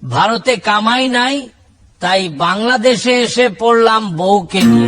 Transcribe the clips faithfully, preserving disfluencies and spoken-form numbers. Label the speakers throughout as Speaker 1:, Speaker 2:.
Speaker 1: ভারতে কামাই নাই, তাই বাংলাদেশে এসে পড়লাম বউকে নিয়ে।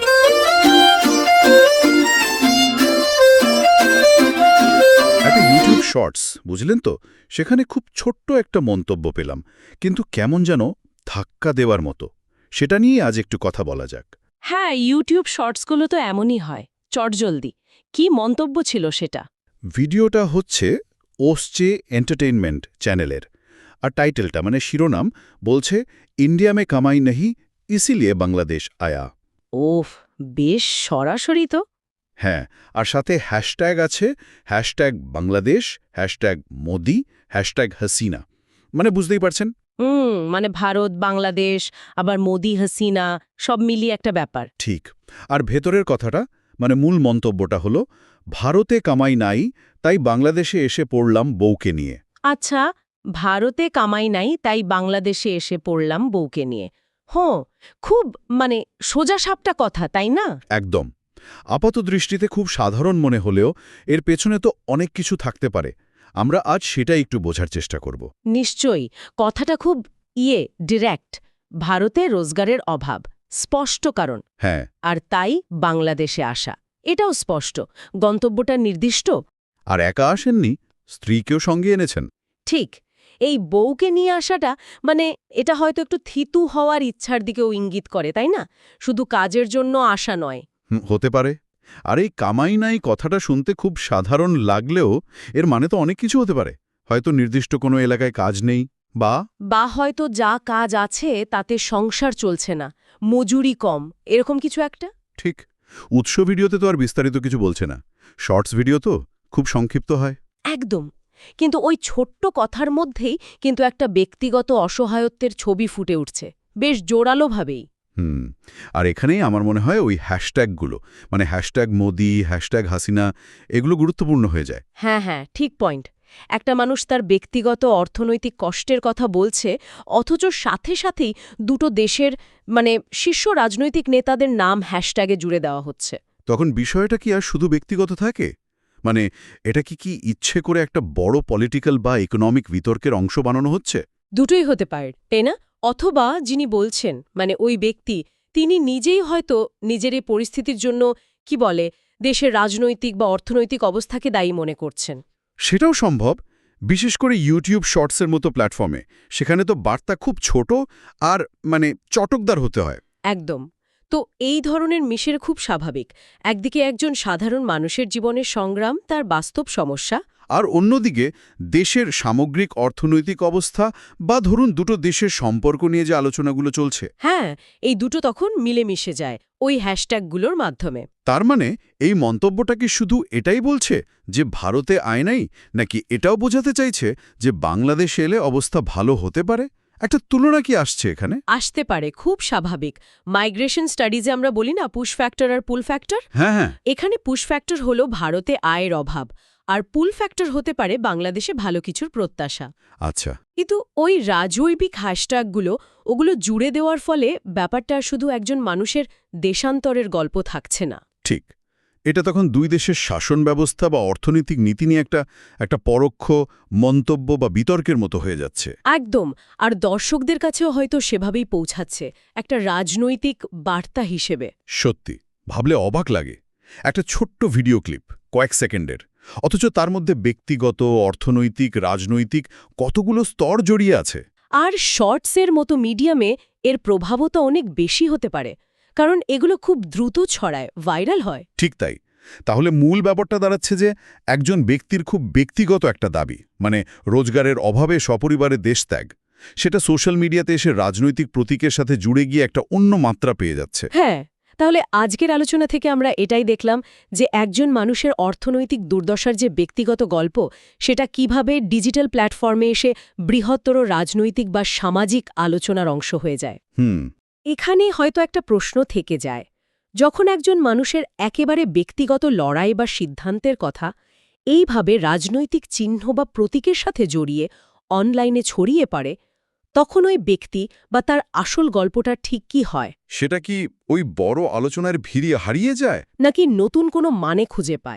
Speaker 2: একটা ইউটিউব শর্টস বুঝলেন তো, সেখানে খুব ছোট্ট একটা মন্তব্য পেলাম, কিন্তু কেমন যেন ধাক্কা দেওয়ার মতো। সেটা নিয়ে আজ একটু কথা বলা যাক।
Speaker 3: হ্যাঁ, ইউটিউব শর্টসগুলো তো এমনই হয়, চটজলদি। কি মন্তব্য ছিল সেটা?
Speaker 2: ভিডিওটা হচ্ছে ওসচে এন্টারটেইনমেন্ট চ্যানেলের, আর টাইটেলটা মানে শিরোনাম বলছে ইন্ডিয়া মে কামাই নেহি ইসিলিয়ে বাংলাদেশ আয়া।
Speaker 3: ওফ, বেশ সরাসরি তো।
Speaker 2: হ্যাঁ, আর সাথে হ্যাশট্যাগ আছে, hashtag Bangladesh, hashtag Modi, hashtag Hasina. মানে বুঝতেই পারছেন।
Speaker 3: হুম, মানে ভারত, বাংলাদেশ, আবার মোদি, হাসিনা, সব মিলিয়ে একটা ব্যাপার।
Speaker 2: ঠিক। আর ভেতরের কথাটা মানে মূল মন্তব্যটা হলো, ভারতে কামাই নাই, তাই বাংলাদেশে এসে পড়লাম বউকে নিয়ে।
Speaker 3: আচ্ছা, ভারতে কামাই নাই, তাই বাংলাদেশে এসে পড়লাম বউকে নিয়ে। হ্যাঁ, খুব মানে সোজা সাপটা কথা, তাই না?
Speaker 2: একদম। আপাত দৃষ্টিতে খুব সাধারণ মনে হলেও এর পেছনে তো অনেক কিছু থাকতে পারে। আমরা আজ সেটাই একটু বোঝার চেষ্টা করব।
Speaker 3: নিশ্চয়ই, কথাটা খুব ইয়ে ডিরেক্ট। ভারতে রোজগারের অভাব, স্পষ্ট কারণ।
Speaker 2: হ্যাঁ,
Speaker 3: আর তাই বাংলাদেশে আসা, এটাও স্পষ্ট। গন্তব্যটা নির্দিষ্ট।
Speaker 2: আর একা আসেননি, স্ত্রীকেও সঙ্গে এনেছেন।
Speaker 3: ঠিক। এই বউকে নিয়ে আসাটা মানে এটা হয়তো একটু থিতু হওয়ার ইচ্ছার দিকেও ইঙ্গিত করে, তাই না? শুধু কাজের জন্য আসা নয়।
Speaker 2: হুম, হতে পারে। আর এই কামাই নাই কথাটা শুনতে খুব সাধারণ লাগলেও এর মানে তো অনেক কিছু হতে পারে। হয়তো নির্দিষ্ট কোনো এলাকায় কাজ নেই, বা
Speaker 3: বা হয়তো যা কাজ আছে তাতে সংসার চলছে না, মজুরি কম, এরকম কিছু একটা।
Speaker 2: ঠিক। উৎস ভিডিওতে তো আর বিস্তারিত কিছু বলছে না, শর্টস ভিডিও তো খুব সংক্ষিপ্ত হয়।
Speaker 3: একদম। কিন্তু ওই ছোট্ট কথার মধ্যেই কিন্তু একটা ব্যক্তিগত অসহায়ত্বের ছবি ফুটে উঠছে, বেশ জোরালোভাবেই।
Speaker 2: হুম। আর এখানেই আমার মনে হয় ওই হ্যাশট্যাগুলো, মানে হ্যাশট্যাগ মোদি, হ্যাশট্যাগ হাসিনা, এগুলো গুরুত্বপূর্ণ হয়ে যায়।
Speaker 3: হ্যাঁ হ্যাঁ, ঠিক পয়েন্ট। একটা মানুষ তার ব্যক্তিগত অর্থনৈতিক কষ্টের কথা বলছে, অথচ সাথে সাথেই দুটো দেশের মানে শীর্ষ রাজনৈতিক নেতাদের নাম হ্যাশট্যাগে জুড়ে দেওয়া হচ্ছে।
Speaker 2: তখন বিষয়টা কি আর শুধু ব্যক্তিগত থাকে? মানে এটা কি কি ইচ্ছে করে একটা বড় পলিটিক্যাল বা ইকোনমিক বিতর্কের অংশ বানানো হচ্ছে?
Speaker 3: দুটোই হতে পারে, তাই না? অথবা যিনি বলছেন মানে ওই ব্যক্তি, তিনি নিজেই হয়তো নিজের এই পরিস্থিতির জন্য কি বলে দেশের রাজনৈতিক বা অর্থনৈতিক অবস্থাকে দায়ী মনে করছেন।
Speaker 2: সেটাও সম্ভব, বিশেষ করে ইউটিউব শর্টসের মতো প্ল্যাটফর্মে। সেখানে তো বার্তা খুব ছোট আর মানে চটকদার হতে হয়।
Speaker 3: একদম। তো এই ধরনের মিশের খুব স্বাভাবিক। একদিকে একজন সাধারণ মানুষের জীবনের সংগ্রাম, তার বাস্তব সমস্যা।
Speaker 2: আর অন্যদিকে দেশের সামগ্রিক অর্থনৈতিক অবস্থা বা ধরুন দুটো দেশের সম্পর্ক নিয়ে যে আলোচনাগুলো চলছে।
Speaker 3: হ্যাঁ, এই দুটো তখন মিলেমিশে যায় ওই হ্যাশট্যাগুলোর মাধ্যমে।
Speaker 2: তার মানে এই মন্তব্যটা কি শুধু এটাই বলছে যে ভারতে আয় নাই, নাকি এটাও বোঝাতে চাইছে যে বাংলাদেশে এলে অবস্থা ভালো হতে পারে? একটা তুলনা কি আসছে এখানে?
Speaker 3: আসতে পারে, খুব স্বাভাবিক। মাইগ্রেশন স্টাডিজে আমরা বলি না পুশ ফ্যাক্টর আর পুল ফ্যাক্টর।
Speaker 2: হ্যাঁ হ্যাঁ।
Speaker 3: এখানে পুশ ফ্যাক্টর হলো ভারতে আয়ের অভাব, আর পুল ফ্যাক্টর হতে পারে বাংলাদেশে ভালো কিছুর প্রত্যাশা।
Speaker 2: আচ্ছা।
Speaker 3: কিন্তু ওই রাজৈবিক হ্যাশট্যাগুলো ওগুলো জুড়ে দেওয়ার ফলে ব্যাপারটা শুধু একজন মানুষের দেশান্তরের গল্প থাকছে না।
Speaker 2: ঠিক। এটা তখন দুই দেশের শাসন ব্যবস্থা বা অর্থনৈতিক নীতি নিয়ে একটা একটা পরোক্ষ মন্তব্য বা বিতর্কের মতো হয়ে যাচ্ছে।
Speaker 3: একদম। আর দর্শকদের কাছেও হয়তো সেভাবেই পৌঁছাচ্ছে, একটা রাজনৈতিক বার্তা হিসেবে।
Speaker 2: সত্যি ভাবলে অবাক লাগে। একটা ছোট্ট ভিডিও ক্লিপ, কয়েক সেকেন্ডের, অথচ তার মধ্যে ব্যক্তিগত, অর্থনৈতিক, রাজনৈতিক কতগুলো স্তর জড়িয়ে আছে।
Speaker 3: আর শর্টসের মতো মিডিয়ামে এর প্রভাবও তো অনেক বেশি হতে পারে, কারণ এগুলো খুব দ্রুত ছড়ায়, ভাইরাল হয়।
Speaker 2: ঠিক তাই। তাহলে মূল ব্যাপারটা দাঁড়াচ্ছে যে একজন ব্যক্তির খুব ব্যক্তিগত একটা দাবি, মানে রোজগারের অভাবে সপরিবারে দেশত্যাগ, সেটা সোশ্যাল মিডিয়াতে এসে রাজনৈতিক প্রতীকের সাথে জুড়ে গিয়ে একটা অন্য মাত্রা পেয়ে যাচ্ছে।
Speaker 3: হ্যাঁ, তাহলে আজকের আলোচনা থেকে আমরা এটাই দেখলাম যে একজন মানুষের অর্থনৈতিক দুর্দশার যে ব্যক্তিগত গল্প, সেটা কিভাবে ডিজিটাল প্ল্যাটফর্মে এসে বৃহত্তর রাজনৈতিক বা সামাজিক আলোচনার অংশ হয়ে যায়।
Speaker 2: হুম।
Speaker 3: এখানে হয়তো একটা প্রশ্ন থেকে যায়, যখন একজন মানুষের একেবারে ব্যক্তিগত লড়াই বা সিদ্ধান্তের কথা এইভাবে রাজনৈতিক চিহ্ন বা প্রতীকের সাথে জড়িয়ে অনলাইনে ছড়িয়ে পড়ে, তখন ওই ব্যক্তি বা তার আসল গল্পটা ঠিক কি হয়?
Speaker 2: সেটা কি ওই বড় আলোচনার ভিড়ে হারিয়ে যায়?
Speaker 3: নাকি নতুন কোনো মানে খুঁজে পায়?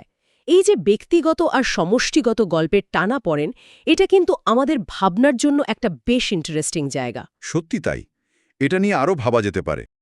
Speaker 3: এই যে ব্যক্তিগত আর সমষ্টিগত গল্পের টানা পড়েন, এটা কিন্তু আমাদের ভাবনার জন্য একটা বেশ ইন্টারেস্টিং জায়গা।
Speaker 2: সত্যি তাই, এটা নিয়ে আরও ভাবা যেতে পারে।